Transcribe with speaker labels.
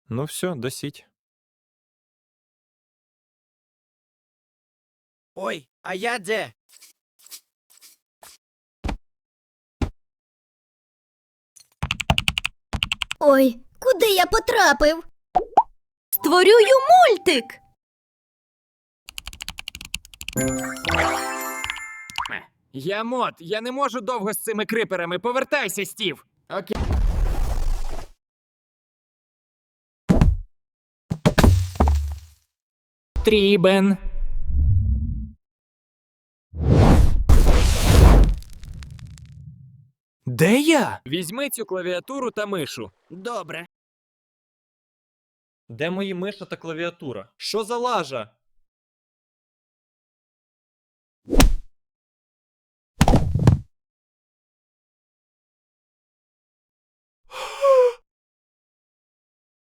Speaker 1: Ну все, досіть.
Speaker 2: Ой, а я де?
Speaker 3: Ой, куди я потрапив? Створюю мультик.
Speaker 2: Я мод, я не можу довго з цими криперами. Повертайся, Стів. Окей. Трібен.
Speaker 1: Де я?
Speaker 2: Візьми цю клавіатуру та мишу. Добре.
Speaker 1: Де мої миша та клавіатура? Що за лажа?